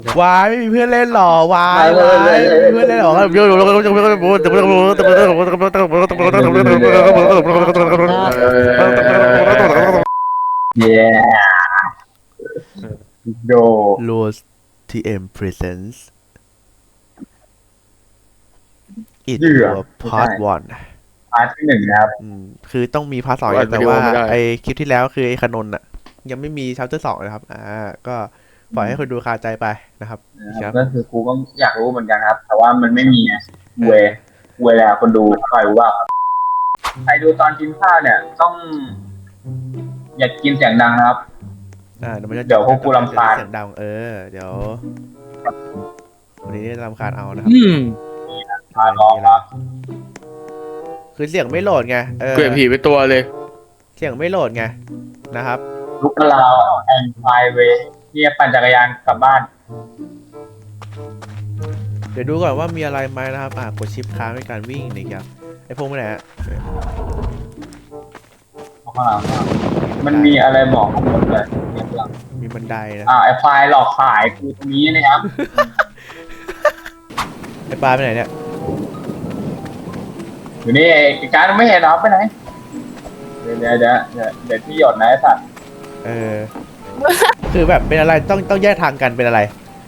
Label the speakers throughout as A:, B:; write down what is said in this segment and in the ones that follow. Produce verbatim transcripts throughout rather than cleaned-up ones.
A: วายไม่มีเพื่อนเล่นหรอวายวายไม่มีเพื่อนเล่นหรอครับโยโย่
B: เย้โด
A: Rose ที เอ็ม presents it
B: เหยื่อ
A: for part one
B: พาร์ทที่หนึ่งนะครับ
A: อืมคือต้องมีพาร์ทสองแต่ว่าไอคลิปที่แล้วคือไอขนนท์อ่ะยังไม่มีชัปเตอร์สองนะครับอ่าก็ปล่อยให้คนดูคาใจไปนะครับครับ
B: ก็คือกูก็อยากรู้เหมือนกันครับ แต่ว่ามันไม่มีไงเวเวลาคนดูใครรู้ว่าใครดูตอนกินข้าวเนี่ย ต้อง อย่ากินเสียงดังนะครับ
A: อ่าเดี๋ยวมันจะ
B: เดี๋ยวพวกกูรำคาญ
A: เสียงดังเออเดี๋ยววันนี้จะรำคาญเอานะครับ
C: อืม
B: อ่าลองครับ
A: คือเสียงไม่โหลดไงเออ
C: เกลียดผีไปตัวเลย
A: เสียงไม่โหลดไงนะครับ
B: ลุกลาวแอนไฟเวเนี่ยปั่นจักรยานกลับบ้าน
A: เดี๋ยวดูก่อนว่ามีอะไรไหมนะครับอ่ากดชิปค้างในการวิ่งนะครับไอ้พวกมันไหนฮะ
B: ข้างหลังมันมีอะไรบอกข้างบนเลยเนี่ยข้างหลัง
A: มีบันไดนะ
B: อ่าไอ้ไฟหลอกขายกูตรงนี้นะครับ
A: ไอ้ปลาไปไหนเนี่ย
B: อยู่นี่ไอ้การไม่เห็นเหรอไปไหนเดี๋ยวเดี๋ยวเดี๋ยวเดี๋ยวเดี๋ยวที่หยดนะไอ้สัตว์
A: เออ คือแบบเป็นอะไรต้องต้องแยกทางกันเป็นอะไร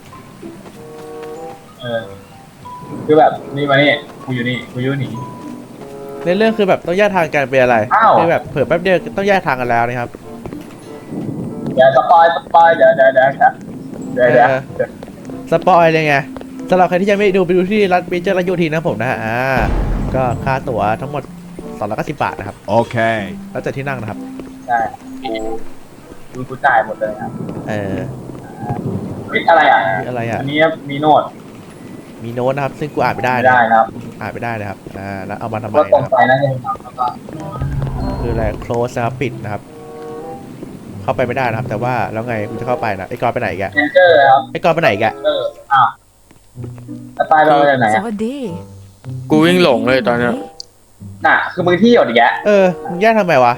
B: เออคือแบบนี่มานี่กูอยู่นี่กูอยู่นี่
A: ในเรื่องคือแบบต้องแยกทางกันเป็นอะไร
B: อ้าว
A: คือแบบเผื่อแป๊บเดียวต้องแยกทางกันแล้วนะครับ
B: เดี๋ยวสปอยสปอยเดี๋ยวเดี๋ยวเดี๋ยวครับเดี๋ยวเดี๋ยว
A: เออ สปอยเลยไงสำหรับใครที่ยังไม่ดูไปดูที่รัฐเมเจอร์รัชโยธินนะครับผมนะฮะอ่าก็ค่าตั๋วทั้งหมดสองร้อยเก้าสิบบาทนะครับ
D: Okay.
A: แล้วแต่ที่นั่งนะครับ
B: ใช่กูกูกูจ่ายหมดเลยครับ
A: เออ
B: เฮ้ยอะไรอ่ะ
A: มีอะไรอ่ะ
B: อันนี้มีโน้ต
A: มีโน้ตนะครับ ซึ่งกูอ่านไม่ได้
B: ไม่
A: นะ
B: ได้ครับ
A: อ่านไม่ได้นะครับอ่าแล้วเอามาทำไม
B: ก็ตรง
A: นะครับ
B: ไปนะเนี่ยครับแล้วก็
A: คืออะไร close นะครับปิดนะครับ เข้าไปไม่ได้นะครับ แต่ว่าแล้วไงกูจะเข้าไปนะไอ้กอนไปไหนอีกอะ
B: เอนเจอร์ครับ
A: ไอ้กอนไปไหนอีกอะ
B: เอออ้าวแล้วตายไปมาจากไหน
E: ส
B: อ่ะ
E: วัสดี
C: กูวิ่งหลงเลยตอนเนี้ย
B: น่ะคือมึงที่หยดอีกแยะ
A: เออมึงแยกทำไมวะ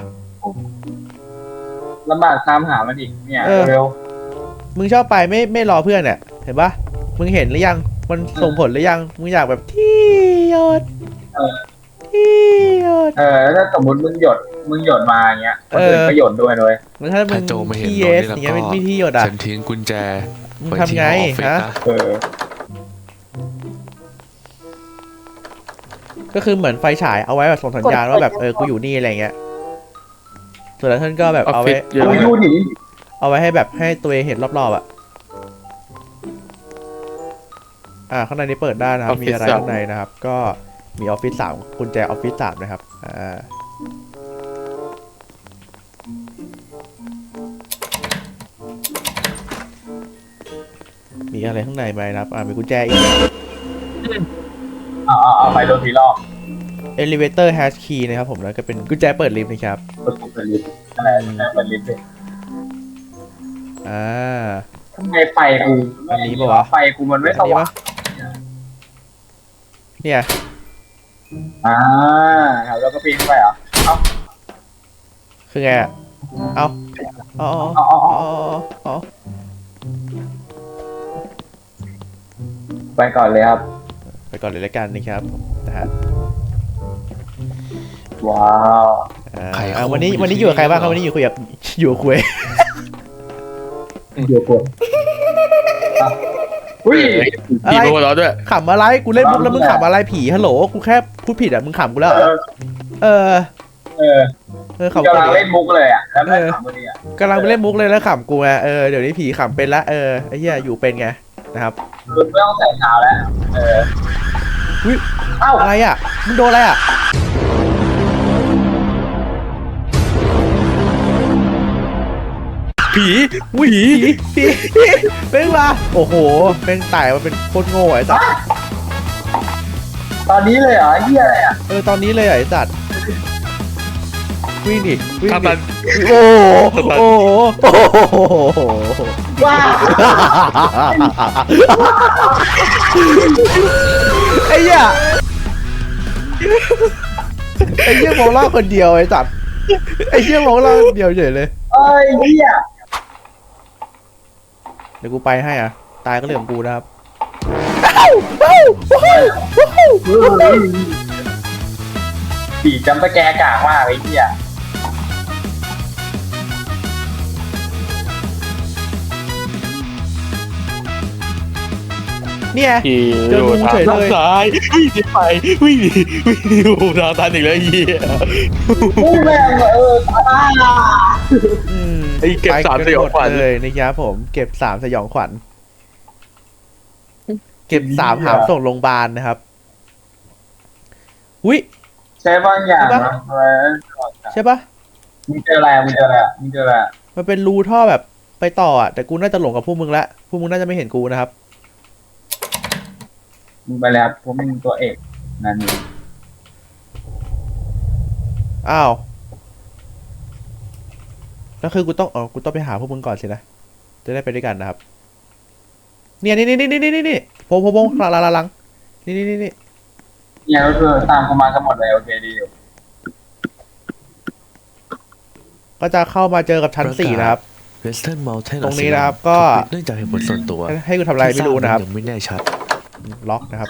B: ลำบากตามหามันอีกเนี่ย
A: เออ
B: เร็ว
A: มึงชอบไปไม่ไม่รอเพื่อนเนี่ยเห็นปะมึงเห็นหรือยังมันส่งผลหรือยังมึงอยากแบบที่หยด
B: เออ
A: ที่หยด
B: เออแล้วถ้าสมมติมึงหยดมึงหยดมาอย่างเงี้ยคนอื่น
A: เออ
B: ก็หยดด้วยเลย
A: มันถ้ามึ
F: ถ้าง โจมาเห็น
A: ที่
F: โด
A: เอน ส
F: นี่
A: อย่าง
F: แล้ว
A: เงี้ย
F: ก็
A: ไม่ที่หยดอ่ะ
F: ฉันทิ้งกุญแจ
A: มึง
F: ไว้
A: ทำ
F: ที่
A: ไง
F: ออฟฟิศ
A: ฮะ
F: นะ
B: เออ
A: ก็คือเหมือนไฟฉายเอาไว้แบบส่งสัญญาณว่าแบบเออกูอยู่นี่อะไรเงี้ยส่วนแล้วท่านก็แบบ
C: ออฟ
A: เอา
C: ฟิ
A: ไว้
C: ศเยอะ
B: กู
C: มาก
B: อยู่หนี
A: เอาไว้ให้แบบให้ตัวเองเห็นรอบๆอ่ะอ่าข้างในนี้เปิดได้นะครับมีอะไรข้างในนะครับ ก็มีออฟฟิศสามกุญแจออฟฟิศสามนะครับอ่ามีอะไรข้างในไหมนะครับอ่ามีกุญแจอีก
B: เอาเอาเอาไปโดนทีรอบ
A: elevator hash key นะครับผมแล้วก็เป็นกุญแจเปิดลิฟต์นะครับ
B: กดปุ่มเปิดลิฟต์อะไรนะเปิดลิฟต์เลย
A: อ่า
B: ทำไมไฟกู
A: อันนี้ปะวะ
B: ไฟกูมันไม่สว่าง
A: เนี่ย
B: อ่าครับแล้วก็ปีนไปเหรอเอา
A: คือไงอะเอาเอาเอา
B: เอาเอา
A: เอา
B: เอา
A: เอาเอา
B: ไปก่อนเลยครับ
A: ไปก่อนเลยละกันนะครับนะฮะ
B: ว้าว
A: อ่า
F: ใครเขา
A: อ่าวันนี้
F: อยู่
A: วันนี้อยู่กับใครบ้างครับ
F: ที่
A: วัน
F: นี่
A: นี้อยู่คุยกับอยู่กับคุย
B: เดี๋ยวกดอุ้ย
A: อะ
C: ผี
A: ไร
C: โมโหเราะด้วย
A: ขำอะไรกูเล่นมุกแล้วมึงขำอะไรผีฮัลโหลกูแค่พูดผิดอ่ะมึงขำกูแล้วเหรอเออ
B: เออ
A: เออขำกู
B: กำลัง
A: ดิ
B: เล่นมุกเลยอ่ะแล้วไม่ขำพอดีอ่ะ
A: กำลังไปเล่นมุกเลยแล้วขำกูไงเออเดี๋ยวนี้ผีขำเป็นละเออไอ้เหี้ยอยู่เป็นไงนะครับ
B: คือไม่ต้องใส่เท้าแล้วเออ
A: อุ๊ย
B: เอ้า
A: อะไรอ่ะมึงโดนอะไรอ่ะผีผีผีผีเป็นมาโอ้โหเป็นตายมาเป็นโคตรโง่ไอ้สัส
B: ตอนนี้เลยเหรอเฮียอะไรอ่ะ
A: เออตอนนี้เลยอ่ะไอ้สัตว์วิ่งดิวิ่ง
C: ถ้า
A: ดิ
C: มัน
A: โอ้โหโอ้โหโอ้โห
B: ว้า
A: ไอ้เหี้ยไอ้เหี้ยมองล่าคนเดียวไอ้สัตว์ไอ้เหี้ยมองล่าคนเดียวเฉยเลย
B: เอ้ยเฮีย
A: เดี๋ยวกูไปให้อ่ะตายก็เรื่องของกูนะครับ
B: สีจำตะแกกากมากไอ้เหี้ย
A: เนี่ย
C: ขี่
A: เจองูเฉยเลย
C: ซ้ายวิ่งหนีไปวิ่งหนีวิ่งหนีโอ้โหทางตันอีกแล้วไอ้เหี้ย
B: อู้แม่งเออตาย
A: อืม
C: ไอ้เก็บสามสยองขวัญ
A: ไปกันหมดเลยนะครับผมเก็บสามสยองขวัญเก็บสามหามส่งโรงพยาบาลนะครับอุ้ย
B: ใช้บางอย่างนะอะไร
A: ใช่ปะ
B: มึงเจออะไรมึงเจออะไรมึงเจออะไร
A: มันเป็นรูท่อแบบไปต่ออ่ะแต่กูน่าจะหลงกับพวกมึงละพวกมึงน่าจะไม่เห็นกูนะครับ
B: มึงไปแล้วพวกมึงตัวเอกนั่นนี่
A: อ้าวแล้วคือกูต้องอ๋อกูต้องไปหาพวกมึงก่อนสินะจะได้ไปด้วยกันนะครับเนี่ยนี่นี่นี่นี่นี่นี่โพงโพงโพงหลังหลังหลังนี่นี่นี่นี่
B: เนี่ยก็คือตามเข้ามากันหมดเลยโอเคดีอยู่
A: ก็จะเข้ามาเจอกับชั้นสี่นะครับ
D: Western Mountain
A: ตรงนี้นะครับก็
D: ถูปิดเนื่องจากเหตุผลส่วนตัว
A: ให้กูทำอะไรไม่รู้นะครับ
D: ที่ทายังไม่แน่ชัด
A: ล็อกนะครับ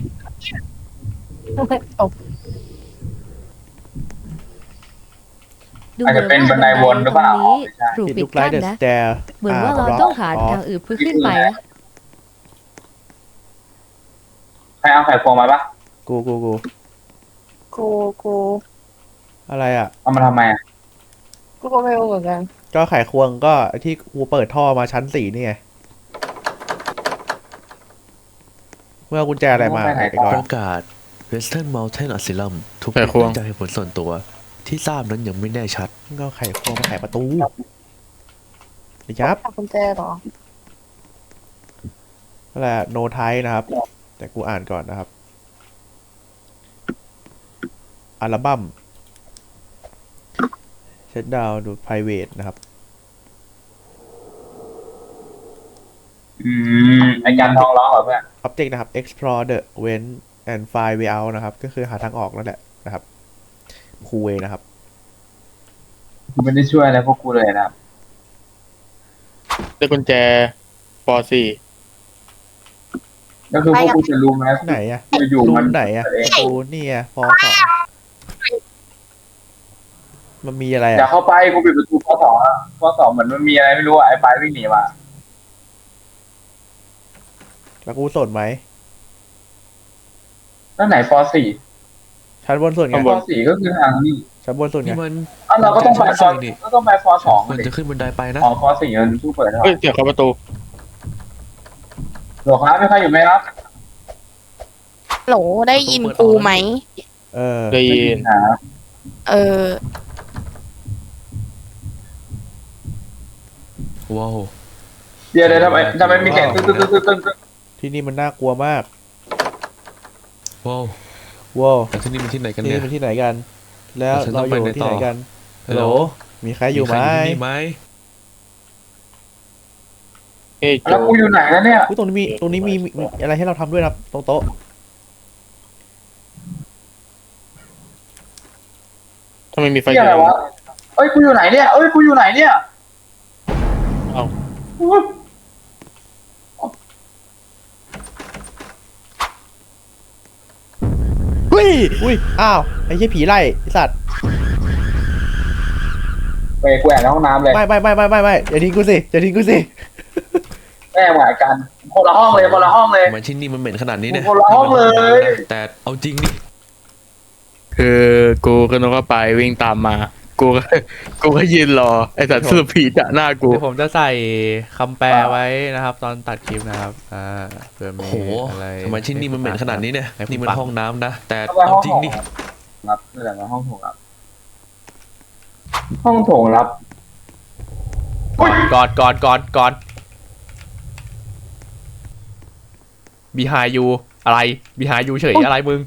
E: ดู
B: อาจจะเป็นบันไดวนหรือเปล่า
E: ตรงนี้
B: ไม่ใช่
E: ถูก
A: ปิด
E: ปิ
A: ลู
E: ด
A: กไล
E: กั้น
A: ท์เดอะ
E: นะ
A: สแตร์
E: เหมือนว่าเราต้องหาทางอื่นเพื่อขึ้นไปนะ
B: ใครเอาไข่ควงมาปะ
A: กูกูกู
F: กูกู
A: อะไรอ่ะ
B: เอามาทำไมอ่ะ
F: กูก็ไม่รู้เหมือนกัน
A: ก็ไขควงก็ที่กูเปิดท่อมาชั้นสี่นี่ไงเมื่อกุญแจอะไรมาไอ้ก่อ
D: ป
A: น
D: ระกาศ Western Mountain Asylum ถูก
C: ไข
D: ปิด
C: ควง
D: เนื่องจากเหตุผลส่วนตัว ที่ทราบนั้นยังไม่แน่ชัด
A: ก็ไขควงมาไขประตูนะครับ
F: หากุญแจเหรอ
A: นั่นแหละโนไทนะครับ แต่กูอ่านก่อนนะครับอัลบั้มเช็ดดาวดู private นะครับ
B: อืมไอการทองร้องเหรอเพื่อน
A: object นะครับ explore the vent and find way out นะครับ ก็คือหาทางออกนั่นแหละนะครับคูเวนะครับ
B: กูไม่ได้ช่วยอะไรพวกกูเลยนะครับ
C: ได้กุญแจปสี่
B: ก็คือพวกกูจะรู้ไหม
A: ไหนอะ
B: อยู่
A: รู
B: ๆมัน
A: มไหนอะ
B: เอง
A: กูนี่อะฟอสองมันมีอะไร
B: อย่า
A: อะ
B: เข้าไปกูปิดประตูข้อสองอะข้อสองเหมือนมันมีอะไรไม่รู้อะไอ้ปลายวิ่งหนีมา
A: แล้วกูสนไหม
B: นั่นไหนปสี่
A: ชั้นบนสุดไง
B: ปสี่ก็คือทางนี้
A: ชั้นบนสุดไง
D: นี่มัน
B: อ้าวเราก็ต้องไปฟอ
D: นี่
B: ก็ต้องไปฟอสอง
D: ควร
B: ดิ
D: จะขึ้นบันไดไปนะ
B: อ๋อฟอสี่มันสู้เปิดเท่าไห
C: เฮ้
B: ร่
C: ยเสียงเข้าประตู
B: หลวงครับไม่ใครอยู่ไหมครับ
F: โหลได้ยินกูไหม
A: เออ
C: ได้ยิน
B: นะ
F: เออ
D: ว้าว
B: เดี๋ยวเดี๋ยวทำไมทำไมมีเสียงตึ้งตึ้งตึ้งตึ้งตึ้งตึ้ง
A: ที่นี่มันน่ากลัวมาก
D: ว้าว
A: ว้าว
D: แต่ที่นี่มันที่ไหนกัน
A: ที่
D: เนี่
A: นี่
D: ย
A: เป็นที่ไหนกัน แล้ว
D: ฉันต้
A: เรา
D: อง
A: อ
D: ไป
A: ยู่
D: ไหน
A: ที่
D: ต่อ
A: ไหนกัน
D: ฮัลโหล
A: มีใครอยู่ไหม
D: ใครที่นี่ไหม
C: เฮ้ยโจ
B: แล้วกูอยู่ไหนแล้วเนี่ย
A: อุ๊ยตรงนี้มีตรงนี้มีมีมีอะไรให้เราทำด้วยนะครับตรงโต๊ะ
C: ทำไมมีไฟ
B: ที่อะไรวะเอ้ยกูอยู่ไหนเนี่ยเอ้ยกูอยู่ไหนเนี่ย
C: เอ้า
A: อุ้ยอุ้ยอ้าวไอ้เหี้ยผีไล่ไอ้สัตว์
B: ไปกูแอบในห้องน้ำเลย
A: ไม่ไม่ไม่ไม่ไม่ไม่อย่าทิ้งกูสิอย่าทิ้งกูสิ
B: แม่หมายกันคนละห้องเลยคนละห้องเลย
D: ทำไมที่นี่มันเหม็นขนาดนี้เนี่ย
B: คนละห้องเลย
D: แต่เอาจริงดิ
C: คือกูก็นึกว่าไปวิ่งตามมา กูก็ กูก็ยืนรอไอ้สัตว์สรุปผีจะหน้ากู
A: เดี๋ยวผมจะใส่คำแปลไว้นะครับ ตอนตัดคลิปนะครับอ่าเผื่อมี
D: โอ้โห
A: อะไร
D: ทำไมที่นี่มันเหม็นขนาดนี้เนี่ย
A: ให้ผม
D: นี่มัน
A: ฟัง
D: ห้องน้ำนะ แต่
B: เข้าไปห้
D: เอา
B: อง
D: จริ
B: โถ
D: ง
B: ง
D: ดิ
B: รับนี่แหละห้องโถงรับ ห้องโถงรับ
A: กอดกอดกอดกอดกอด behind you อะไร behind you เฉยอะไรมึง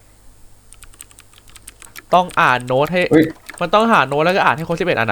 A: ต้องอ่านโน้ตให้
B: เฮ้ย
A: มันต้องหาโน้ตแล้วก็อ่านให้ครบสิบเอ็ดอันอะ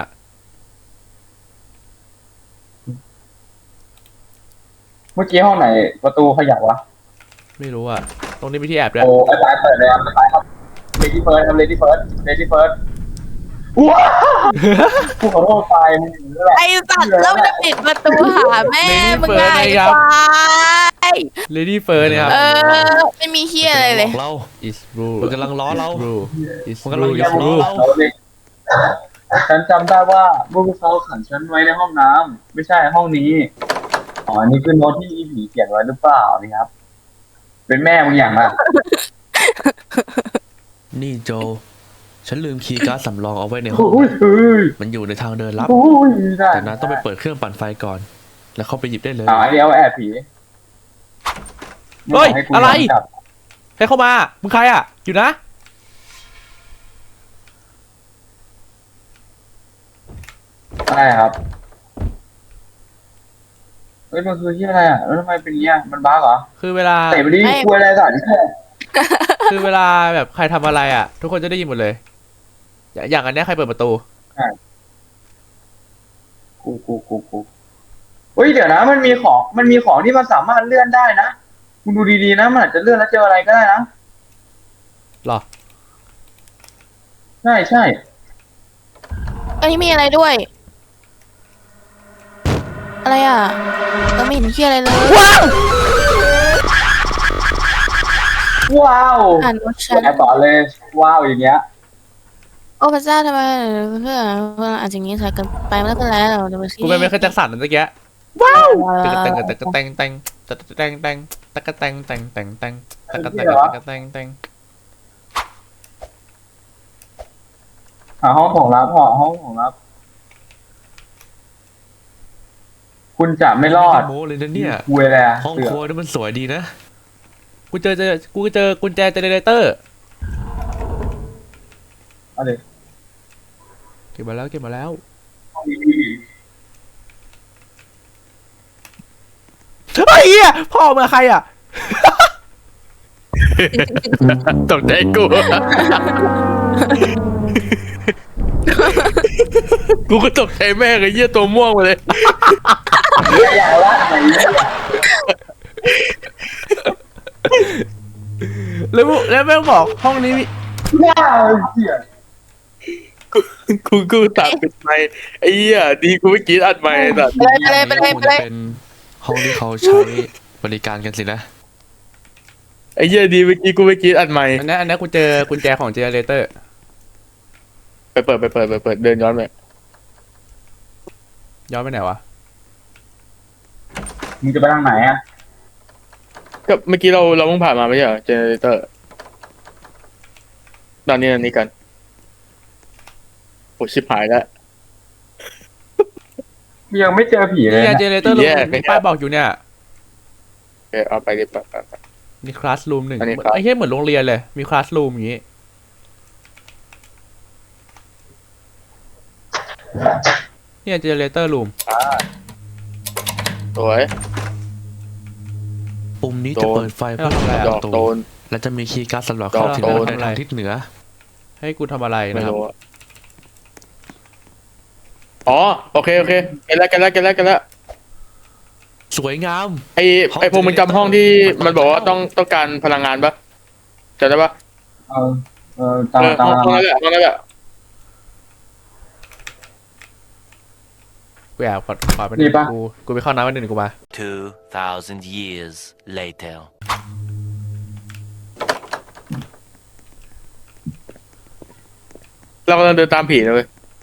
B: เมื่อกี้ห้องไหนประตูขยับวะ
A: ไม่รู้อะตรงนี้มีที่แอบด้วย
B: โอ้ไอ้ปลายเปิดเลยครับไอ้ปลายครับเลดี้เฟิร์สครับเลดี้เฟิร์สเลดี้เฟิร์สว้าวกูขอโทษไปมึงอย่างนี้แหละ
F: ไอ้สัตว์แล้วมันจะปิดประตูหาแม่มึงไงไอ้ควาย
A: เลดี้เฟิร์เนี่ยครับ
F: เออไม่มีเฮียอะไรเลย
D: บอกเรา
A: is rule
D: มันกำลังล้อเรา
A: rule is
D: มันกำลัง
A: rule
D: จะ
A: is
D: ล้อ
A: rule
D: เรา
B: เขาเลยฉันจำได้ว่าเมื่อพวกเขาขังฉันไว้ในห้องน้ำไม่ใช่ห้องนี้อ๋ออันนี้คือโน้ตที่อีผีเขียนไว้หรือเปล่านี่ครับ เป็นแม่มึงอย่างไร
D: นี่โจ ฉันลืมคีย์การ์ดสำรองเอาไว้ในห้อง
B: โอ้ยเฮ้ย
D: มันอยู่ในทางเดินลับ
B: โอ้ยได้
D: แต่นั้นต้องไปเปิดเครื่องปั่นไฟก่อน แล้วเข้าไปหยิบได้เลย
B: อ่าอันนี้เอาแอบผี
A: เฮ้ย
B: ม่บกให้กู
A: อะไร
B: ย้นกลับ
A: ใครเข้ามามึงใครอ่ะอยู่นะ
B: ใช่ครับเฮ้ยมันคือที่อะไรอ่ะแล้วทำไมเป็นอย่างเงี้ยมันบ้าเหรอ
A: คือเวลา
B: เตะไปดิ
F: ไม่
B: กลัวอะไรสัน
A: คือเวลาแบบใครทำอะไรอ่ะ ทุกคนจะได้ยินหมดเลย อย่างอย่างอันเนี้ยใครเปิดประตู
B: กูกูกูกูเฮ้ยเดี๋ยวนะ มันมีของมันมีของที่มันสามารถเลื่อนได้นะคุณดูดีๆนะมันอาจจะเลื่อนแล้วเจออะไรก็ได้นะ
A: หรอ
B: ใช่ใช่
F: อันนี้มีอะไรด้วย อะไรอ่ะเราไม่เห็นเฮียอะไรเลย
B: ว้าว
F: อ่านโน้ตฉัน
B: แอบต่อเลย ว้าวอย่างเงี้ย
F: โอ้พระเจ้าทำไมเพื่อนเพื่อนอาจจะอย่างนี้ใส่กันไปไม่เป็นไรหรอกเดี๋ยวมัน
A: กูเป็นไม่เคยจักสันนั่นตะเกีย
F: ว้าว
A: ตะกะแตงตะกะแตงแตงตะกะแตงแตงตะกะแตงแตงแตงแตงตะกะแตงตะกะแตงแตง
B: หาห้องของรับหาห้องของรับ คุณจะไม่รอด
D: โม้เลยนะเนี่ย
B: คุยอะไรอะ
D: ห้อง
B: เสื
D: ค
B: อ
D: รัวนี่มันสวยดีนะ
A: กูเจอเจอกูเจอกุญแจเจเนเรเตอร์
B: เอาดิ
A: เก็บมาแล้วเก็บมาแล้ว
B: ห้องนี้มีผี
A: เฮ้ยเหี้ยพ่อมาใครอ่ะ
C: ตกใจกู กูก็ตกใจแม่งไอ้เหี้ยตัวม่วงมาเลย
B: อย่าละไหนเนี่ย
A: แล้วมึงแล้วแม่งบอกห้องนี้มี
B: ว้าวเสีย
C: กูกูตัดปิดไมค์ไอ้เหี้ยดีกูไม่กรีดอัดไมค์ไอ้สัตว์
F: ไปเลยไปเลยไปเลยไป
D: คง
F: เล
D: จะ
F: ย
D: เป็นห้องที่เขาใช้บริการกันสินะ
C: ไอ้เหี้ยดีเมื่อกี้กูไม่กรีดอัดไมค์
A: อันนี้อันนี้กูเจอกุญแจของเจเนเรเตอร์
C: ไปเปิดไปเปิดไปเปิดเดินย้อนไป
A: ย้อนไปไหนวะ
B: มึงจะไปทางไหนอะ
C: ก็เมื่อกี้เราเราเพิ่งผ่านมาไม่ใช่เหรอเจเนเรเตอร์ตอนนี้อันนี้กันโอ้ชิบหายแล้ว
B: ยังไม่เจอผีเลย
A: นี่ไง
B: นะ
A: เจเนเรเตอร์รู
C: แย่
A: ม
C: ไป
A: ป้ายบอกอยู่เนี่ย
C: โอเคเอาไปดิไปไปไป
A: มีคลาสรูมหนึ่ง
C: อันนี้ครับ
A: ไอ้เหี้ยเหมือนโรงเรียนเลย มีคลาสรูมอย่างงี้เนี่ยเจเนเรเตอร์รูม
C: สวย
D: ปุ่มนี้
C: โดน
D: จะเปิดไฟเพื่อทำลาย
C: ด
D: ป
C: อก
D: ระตู
C: โดน
D: และจะมีคีย์การ์ดสำหรับเข้าถึง
C: ดอกโดน
D: ในทางทิศเหนือ
A: ให้กูทำอะไร
C: ไม่
A: นะครับ
C: รู้อะอ๋อโอเคโอเคเกันแล้วเกันแล้วเกันแล้วเกันแล้ว
D: สวยงาม
C: ไอไอพวกมึงจำห้องที่มันบอกว่าต้องต้องการพลังงานปะจำได้ปะ
B: เออเออตาม
C: เออ
B: ตา
C: ห้อง
B: ม
C: ห้องนั้นแหละห้องนั้นแหละ
A: กูแอบขอขอไปหนึ่งกูกูไปเข้าน้ำไปหนึ่งกูมา
G: Two thousand years later.
C: เรากำลังเดินตามผีนะเลย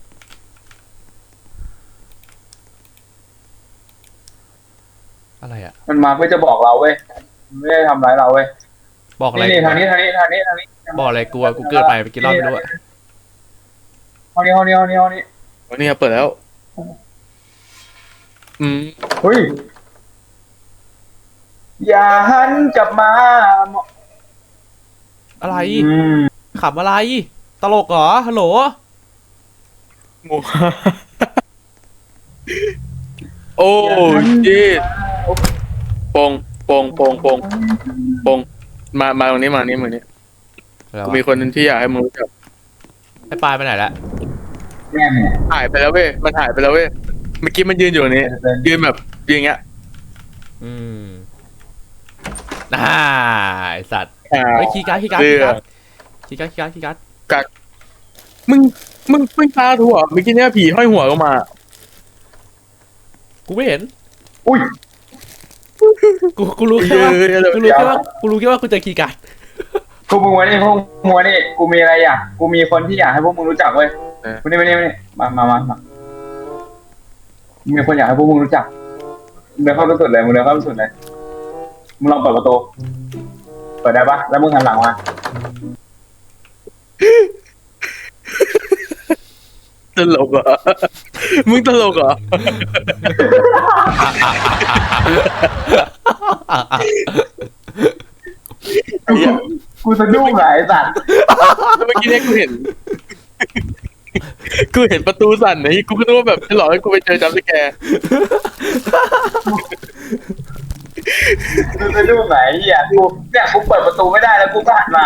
A: อะไรอ่ะ
B: มันมาเพื่อจะบอกเราเว้ยมันไม่ได้ทำร้ายเราเว้ย
A: บอกอะไร
B: นี่นี่ทางนี้ทางนี้ทางนี้ทางนี้
A: บอกอะไรกูอะกูเกิดไปไปกินรอบไม่รู้อะ
B: ห้องนี้ห้องนี้ห้องนี้ห้องนี้
C: วันนี้เปิดแล้ว อืม
B: เฮ้ยอย่าหันกลับมา
A: อะไร
B: อืม
A: ขำอะไร ตลกเหรอ ฮัลโหล
C: หมู โอ้จีปงปงปงปงปงมามาตรงนี้มาตรงนี้มาตรงนี้
A: อะไร
C: กู
A: วะ
C: มีคนที่อยากให้มึงรู้จัก
A: ไอ้ปลายไปไหนละ
B: แม่เนี่ย
C: หายไปแล้วเว้ยมันหายไปแล้วเว้ยเมื่อกี้มันยืนอยู่ตรงนี้ ยืนแบบยืนอย่างเงี้ย
A: อืมอ่าไอสัตว์
C: อ่า
A: เฮ้ยคีย์การ์ดคีย์การ์ด
C: เรือ
A: คีย์การ์ดคีย์การ์ดคีย์การ์ดคีย์การ์ด
C: มึงมึงมึงตาถั่วเมื่อกี้เนี้ยผีห้อยหัวลงมา
A: กูไม่เห็น
B: อุ้ย
A: กูกูรู้แค่ว่ากูรู้แค่ว่ากูรู้แค่ว่ากูเจอคีย์การ์ด
B: พวกมึงมานี่พวกมึงมานี่กูมีอะไรอยากกูมีคนที่อยากให้พวกมึงรู้จักเว้ยมานี่มานี่มานี่มามามามามีคนอยากให้พวกมึงรู้จักมึงเดินเข้าไปสุดเลยมึงเดินเข้าไปสุดเลยมึงลองเปิดประตูเปิดได้ปะแล้วมึงหันหลังมา
C: ตลกเหรอมึงตลกเหรอ
B: กูกูสะดุ้งหลายสัตว์
C: เมื่อกี้เนี่ยกูเห็น กูเห็นประตูสั่นไอ้กูก็นึกว่าแบบจะหลอกให้กูไปเจอจัมป์สแกร์
B: กูสะดุ้งหลายเหี้ยกูเนี่ยกูเปิดประตูไม่ได้แล้วกูก็หันมา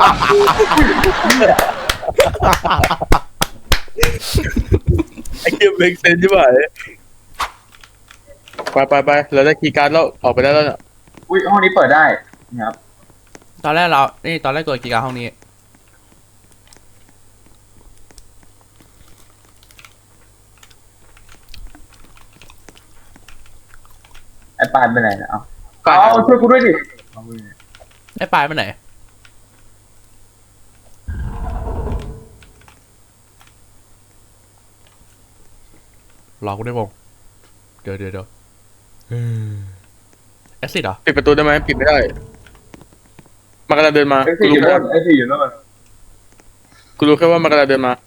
C: ไอ้เกมเมกเซนใช่ไหมไปไปไปเราได้คีย์การ์ดแล้วออกไปได้แล้วเนี่ย
B: อุ้ยห้องนี้เปิดได้นะครับ
A: ตอนแรกเรานี่ตอนแรกกดคีย์การ์ดห้องนี้
B: ไอ้ปานไปไหนนะเอาเอาช่วยกูด้วยดิ
A: ไอ้ปลายไปไหนรอกูได้วงเดี๋ยวเดี๋ยวเดี๋ยวแอซิดเหรอ
C: ปิดประตูได้ไหมปิดไม่ได้มันกำลังเดินมา
B: ไอ้
C: กู
B: สี่อยู่
C: รู้
B: โน่
C: ว่าน
B: ไอ้สี่อยู่โน่น
C: กูรู้แค่ว่ามันกำลังเดินมา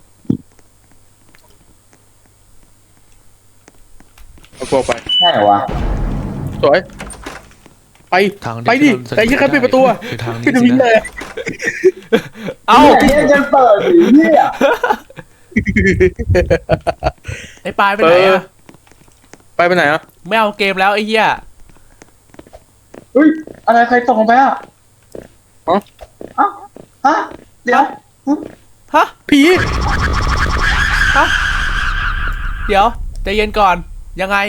C: เอาพวกไป
B: ใช่เหรอวะ
C: สวยไป
D: ทาง
C: ไปดิไอ้ที่ใครปิดประตูอะ
D: คือทางนี้
C: ปิด
D: สิ
C: วิ่งเล
D: นะ
C: ย
A: เอ้า
B: เนี่ยเนี่ยจะเปิดสิเนี่ย
A: ไอ้ปลายไปไหนอะ
C: ไปไปไหนอ่ะ
A: ไม่เอาเกมแล้วไอ้เหี้ย
B: เฮ้ยอะไรใครตกลงไปอ่ะ
C: ฮะ
B: ฮะฮะเดี๋ยว
A: ฮะ
C: ผี
A: ฮะเดี๋ยวใจเย็นก่อนยังไง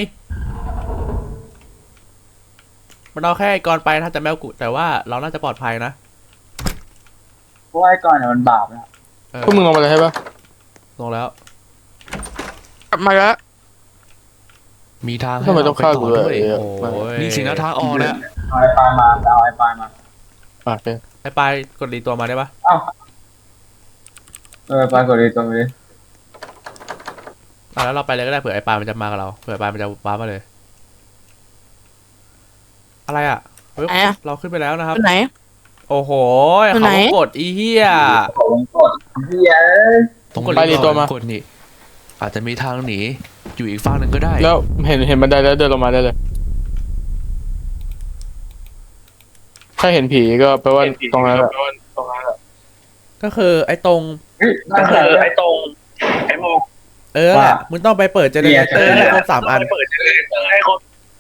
A: มันเอาแค่ไอ้ก่อนไปถ้าจะแมวกุแต่ว่าเราน่าจะปลอดภัยนะ
B: เพราะว่าไอ้ก่อนเนี่ยมันบาปนะ
A: เออ
C: พวกมึงลงมาเลยใช่ปะ
A: ลงแล้ว
C: กลับมาแล้ว
D: มีทางให้
C: ทำไม
D: เรา
C: ต้อง
D: ไป
C: ฆ่า
D: ต่
C: กู
D: อ
C: ด้วย
D: ด้วย
C: เออ
A: โอ้ย
D: นี่สินะทางออกนะ
B: เอาไอ้ปานมาเอาไอ้ปานมา
C: อ่ะโอเค
A: ไอ้ปลายกดรีตัวมาได้ปะ
B: เอ้าเออปานกดดีตรงนี้
A: อ่ะแล้วเราไปเลยก็ได้เผื่อไอ้ปลายมันจะมากับเราเผื่อปลายมันจะว้ามาเลย อะไรอ่ะเฮ้ย
F: ไหนอะ
A: เราขึ้นไปแล้วนะครับ
F: ไปไหน
A: โอ้โห
F: อยู่
A: เขา
F: ไหน
A: กดอีเหี้ย
B: ขอลงกดเฮีย
D: ตรง
A: กด
C: ไปดิตัวมา
D: กดนี่อาจจะมีทางหนีอยู่อีกฝั่งหนึ่งก็ได้
C: แล้วเห็นเห็นบันไดแล้วเดินลงมาได้เลยถ้าเห็นผีก็แปลว่าตรงนั้นแหละ
A: ก็คือไอ้ตรง
B: เฮ้ยนั่นคือไอ้ตรงไอ้โม
A: เออแหละมึงต้องไปเปิดเจเนเรเตอร์
B: เนี่ย
A: ให้ครบสามอัน
B: เปิดเจเนเรเตอร์ให้ครบ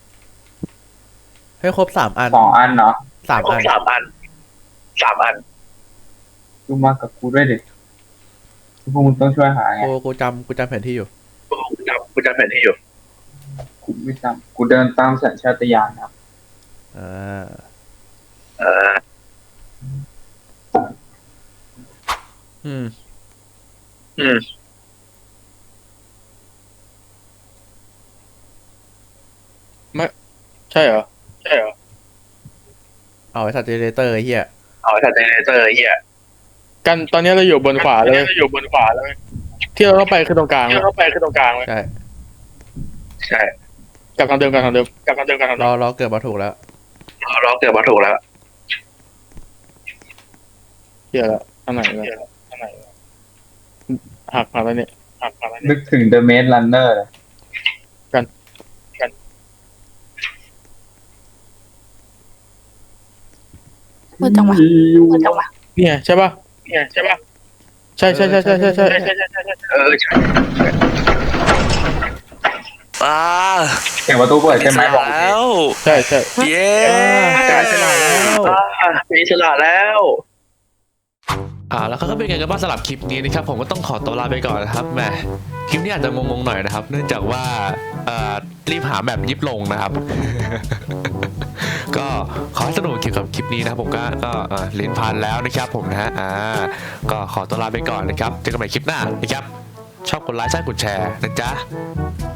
A: ให้ครบสามอัน
B: สองอันเนาะ
A: สามอัน
B: สามอันสามอันกูมากับกูด้วยดิพวกมึงต้องช่วยหาไง
A: กูกูจำกูจำแผนที่อยู่
B: กูจำกูจำแผนที่อยู่กูไม่จำกูเดินตามสัญชาตญาณครับ
A: อ่า
B: เออ
A: อืม
B: อืม
C: ใช่เหรอใช่เหรอ
A: เอาไอ้สัตว์เจเนเรเตอร์ไอ้เหี้ย
B: เอาแต่เจเนเรเตอร์เฮีย
C: กันตอนนี้เราอยู่บนขวาเลย
B: อยู่บนขวาเลย
C: ที่เราต้องไปคือตรงกลาง
B: ที่เราไปคือตรงกลางเลย
A: ใช่
B: ใช่
C: กลับทางเดิมกลับทางเดิม
B: กลับมาเดิมกัน
A: เราเราเกิดมาถูกแล้ว
B: เราเกิดมาถูกแล้ว
C: เฮียละอันไหนละอันไหนละหักมาแล้วเนี่ยหักมาแล้วเนี่ย
B: นึกถึง The Maze Runner เลย
F: มืดจังวะมืดจังวะ
C: เนี่ยใช่ป่ะ
B: เนี่ยใช่ป่ะ
C: ใช่ใช่ใช่ใช่ใช่ใช่
B: ใช่ใช่ใช่ใช่เออใช่
G: อ่า
B: เสียงประตูเปิดใช่ไหมบอก
G: แล้ว
C: ใช่ใช่
G: เย้
A: กลายฉลาดแล้ว
B: มีฉลาดแล้ว
D: อ่าแล้วก็เป็นไงกันบ้างสำหรับคลิปนี้นะครับผมก็ต้องขอตัวลาไปก่อนนะครับแหมคลิปนี้อาจจะงงๆหน่อยนะครับ เนื่องจากว่าเอ่อรีบหาแบบยิบลงนะครับก็ขอให้สนุกเกี่ยวกับคลิปนี้นะครับผมก็ก็อ่าลิ้นพันแล้วนะครับผมนะฮะอ่าก็ขอตัวลาไปก่อนนะครับเจอกันใหม่คลิปหน้านะครับชอบกดไลค์ใช่กดแชร์นะจ๊ะ